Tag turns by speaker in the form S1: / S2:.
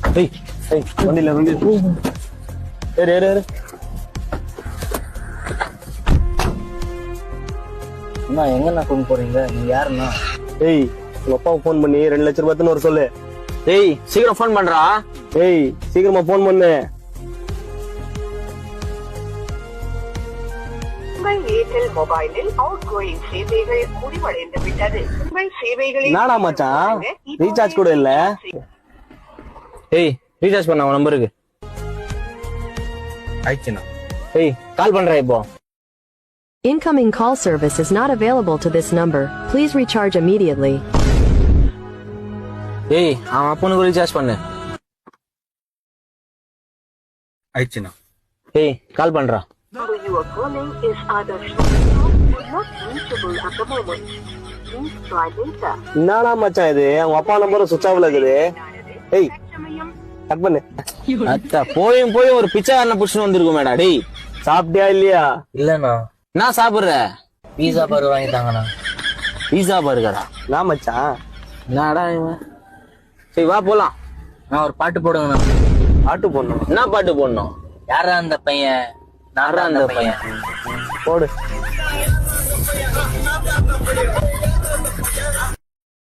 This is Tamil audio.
S1: ஏய் ஏய் வண்டில ஏறு ஏறு ஏறு.
S2: அண்ணா எங்கண்ணா கொண்டு போறீங்க? நீங்க யாருண்ணா?
S1: ஏய் உங்க அப்பாவுக்கு போன் பண்ணி 2 லட்சம் ரூபாய்ன்னு ஒரு சொல்லு.
S3: ஏய் சீக்கிரம் போன் பண்றா.
S1: ஏய் சீக்கிரமா போன் பண்ணு.
S4: உங்கள் ஏர்டெல் மொபைலில் அவுட் கோயிங் சேவைகள் முடிவடைந்து விட்டது. உங்கள் சேவைகளில்
S1: நாடா மச்சான் ரீசார்ஜ் கூட இல்ல.
S3: ஏய் ரீசார்ஜ் பண்ண உன் நம்பருக்கு.
S2: ஆயிடுச்சுண்ணா.
S3: ஏய் கால் பண்றேன் இப்போ.
S5: Incoming call service is not available to this number. Please recharge immediately.
S3: ஏய் அவன் அப்பனுக்கு ரீசார்ஜ் பண்ணு.
S2: ஆயிடுச்சுண்ணா.
S3: ஏய் கால் பண்றா.
S4: number you are calling is either switched off or not reachable at the moment. Please try later.
S1: என்னடா மச்சான் இது உங்க அப்பா நம்பர் சுவிட்ச் ஆஃப்ல இருக்குது. ஏய் கட் பண்ணு.
S3: அத்தா போய் ஒரு பிச்சைக்காரனை புடிச்சுன்னு வந்திருக்கும் மேடா. டேய்
S1: சாப்பிட்டியா இல்லையா?
S2: இல்லண்ணா.
S3: என்ன சாப்பிடுற?
S2: பீஸா பர்கர் வாங்கி தாங்கண்ணா.
S3: பீஸா பர்கரா?
S1: நான் மச்சான்
S3: என்னடா இவன்? சரி வா போலாம்.
S2: நான் ஒரு பாட்டு போடுங்கண்ணா.
S1: ஆட்டு போடணும்.
S3: என்ன பாட்டு போடணும்?
S2: யாரா அந்த பையன்?
S3: யாரா அந்த பையன்?
S1: போடு.